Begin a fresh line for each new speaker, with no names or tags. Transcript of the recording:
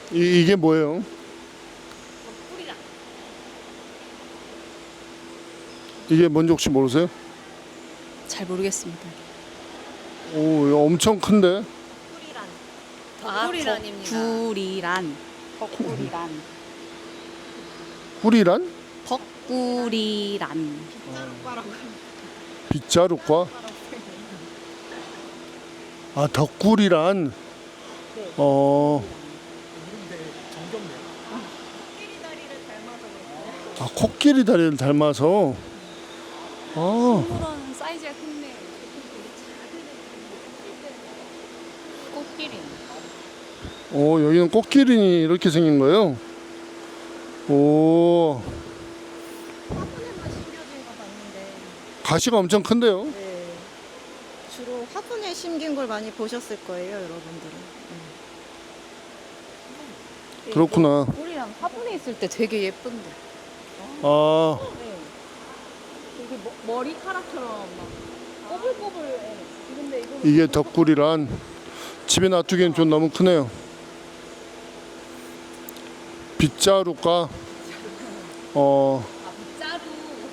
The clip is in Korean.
이게 뭐예요?
뿌리랑.
이게 뭔지 혹시 모르세요?
잘 모르겠습니다.
오, 이거 엄청 큰데?
덕구리란입니다.
덕구리란. 덕구리란.
꿀이란?
덕구리란.
빗자루과? 아, 덕꿀이란? 아, 코끼리 다리를 닮아서. 아,
그런 사이즈가 큰데. 꽃길이.
여기는 코끼리 이렇게 생긴 거예요. 오,
화분에만 심겨진 거 봤는데.
가시가 엄청 큰데요.
네. 주로 화분에 심긴 걸 많이 보셨을 거예요, 여러분들은.
그렇구나.
우리랑 화분에 있을 때 되게 예쁜데.
아,
네. 되게 머리카락처럼 막 꼬불꼬불. 예. 근데 이거
이게 덕꿀이란. 집에 놔두기엔 좀 너무 크네요. 빗자루가,